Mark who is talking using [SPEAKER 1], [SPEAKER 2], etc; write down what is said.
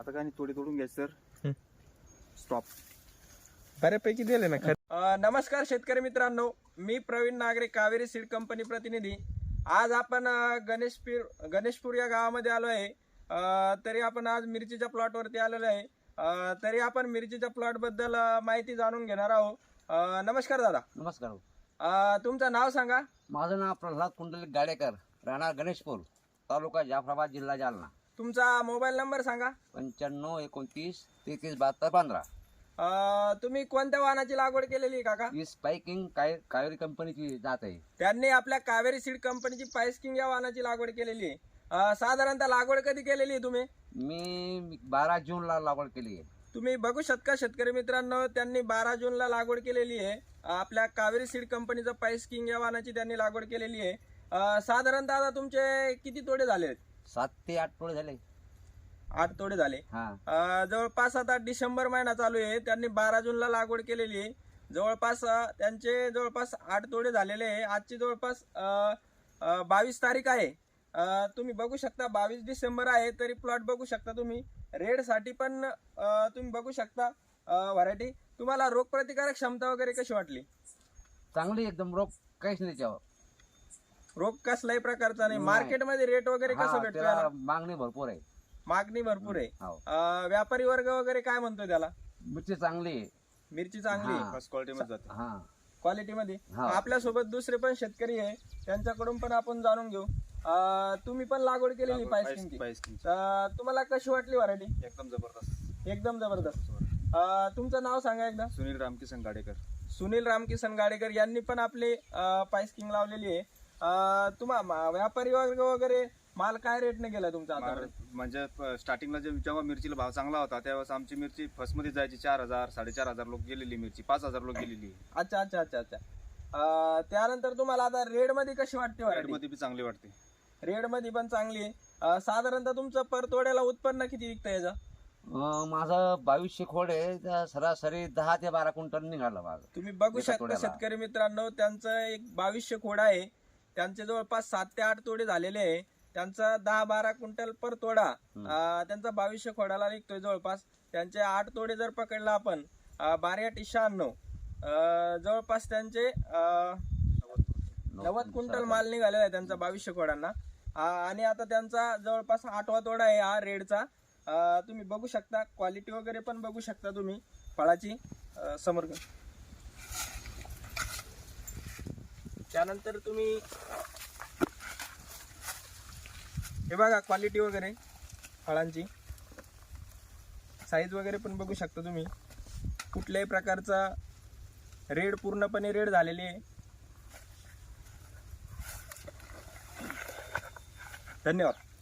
[SPEAKER 1] आता काय नाही, थोडी तोडून घ्यायचं सर. स्टॉप.
[SPEAKER 2] बऱ्यापैकी दिले ना. नमस्कार शेतकरी मित्रांनो, मी प्रवीण नागरे, कावेरी सीड कंपनी प्रतिनिधी. आज आपण गणेशपूर या गावामध्ये आलो आहे. तरी आपण आज मिरचीच्या प्लॉटवरती आलेलो आहे. तरी आपण मिरचीच्या प्लॉट बद्दल माहिती जाणून घेणार आहोत. नमस्कार दादा.
[SPEAKER 3] नमस्कार.
[SPEAKER 2] तुमचं नाव सांगा.
[SPEAKER 3] माझं नाव प्रल्हाद कुंडलिक गाडेकर, राहणार गणेशपूर, तालुका जाफराबाद, जिल्हा जालना.
[SPEAKER 2] तुमचा मोबाईल नंबर सांगा.
[SPEAKER 3] 95 29 33 72 15.
[SPEAKER 2] तुम्ही कोणत्या वाहनाची लागवड केलेली आहे काका?
[SPEAKER 3] ही स्पायकिंग कावेरी कंपनीची जात आहे.
[SPEAKER 2] त्यांनी आपल्या कावेरी सीड कंपनीची पायस्किंग या वाहनाची लागवड केलेली आहे. साधारणतः लागवड कधी केलेली आहे तुम्ही?
[SPEAKER 3] मी 12 जूनला लागवड केली आहे.
[SPEAKER 2] तुम्ही बघू शकता शेतकरी मित्रांनो, त्यांनी 12 जूनला लागवड केलेली आहे. आपल्या कावेरी सीड कंपनीचं पायस्किंग या वाहनाची त्यांनी लागवड केलेली आहे. साधारणतः आता तुमचे किती तोडे झाले?
[SPEAKER 3] 7 ते 8 तोडे झाले.
[SPEAKER 2] 8 तोडे झाले. जवळपास आता डिसेंबर महिना चालू आहे. त्यांनी 12 जूनला लागवड केलेली आहे. जवळपास त्यांचे 8 तोडे झालेले आहे. आजची जवळपास 22 तारीख आहे. तुम्ही बघू शकता 22 डिसेंबर आहे. तरी प्लॉट बघू शकता तुम्ही. रेड साठी पण तुम्ही बघू शकता व्हरायटी. तुम्हाला रोगप्रतिकारक क्षमता वगैरे कशी वाटली?
[SPEAKER 3] चांगली एकदम. रोग काहीच नाही त्यावर.
[SPEAKER 2] रोग कसल्याही प्रकारचा नाही. मार्केटमध्ये रेट वगैरे कसं भेटतो?
[SPEAKER 3] त्याला मागणी भरपूर आहे.
[SPEAKER 2] मागणी भरपूर आहे.
[SPEAKER 3] हो.
[SPEAKER 2] व्यापारी वर्ग वगैरे काय म्हणतोय त्याला?
[SPEAKER 3] मिरची चांगली आहे.
[SPEAKER 2] मिरची चांगली आहे.
[SPEAKER 1] फर्स्ट क्वालिटीमध्ये जाते.
[SPEAKER 2] क्वालिटीमध्ये.
[SPEAKER 3] हा.
[SPEAKER 2] आपल्यासोबत दुसरे पण शेतकरी आहे, त्यांच्याकडून पण आपण जाणून घेऊ. तुम्ही पण लागवड केलेली पायस्किंगची. तुम्हाला कशी वाटली व्हरायटी?
[SPEAKER 1] एकदम जबरदस्त.
[SPEAKER 2] एकदम जबरदस्त. तुमचं नाव सांगा एकदा.
[SPEAKER 1] सुनील रामकिसन गाडेकर.
[SPEAKER 2] सुनील रामकिसन गाडेकर यांनी पण आपली पायस्किंग लावलेली आहे. तुम्हाला व्यापारी वर्ग वगैरे माल काय रेटने गेला तुमचा आता?
[SPEAKER 1] म्हणजे स्टार्टिंगला जेव्हा मिरचीला भाव चांगला होता त्यावेळेस आमची मिरची फर्स्ट मध्ये जायची 4000 4,500 लोक गेलेली मिरची, 5000 लोक गेलेली.
[SPEAKER 2] अच्छा अच्छा अच्छा अच्छा. त्यानंतर तुम्हाला आता रेड मध्ये कशी वाटते?
[SPEAKER 1] रेड मध्ये बी चांगली वाटते.
[SPEAKER 2] रेड मध्ये पण चांगली आहे. साधारणतः तुमचं परतोड्याला उत्पन्न किती निघतं याचं?
[SPEAKER 3] माझं 2200 खोड आहे. सरासरी 10 ते 12 क्विंटल निघालं माझं.
[SPEAKER 2] तुम्ही बघू शकता शेतकरी मित्रांनो, त्यांचं एक 2200 खोड आहे. त्यांचे जवळपास 7 ते 8 तोडे झालेले आहे. त्यांचा 10-12 क्विंटल पर तोडा त्यांचा 2200 खोडाला निघतोय जवळपास. त्यांचे 8 तोडे जर पकडला आपण 12-96 जवळपास त्यांचे 90 क्विंटल माल निघालेला आहे त्यांचा 2200 खोडांना. आणि आता त्यांचा जवळपास 8वा तोडा आहे हा रेडचा. तुम्ही बघू शकता, क्वालिटी वगैरे पण बघू शकता तुम्ही फळाची. समोर त्यानंतर तुम्ही हे बघा क्वालिटी वगैरे फळांची, साईज वगैरे पण बघू शकता तुम्ही. कुठल्याही प्रकारचा रेड, पूर्णपणे रेड झालेली आहे. धन्यवाद.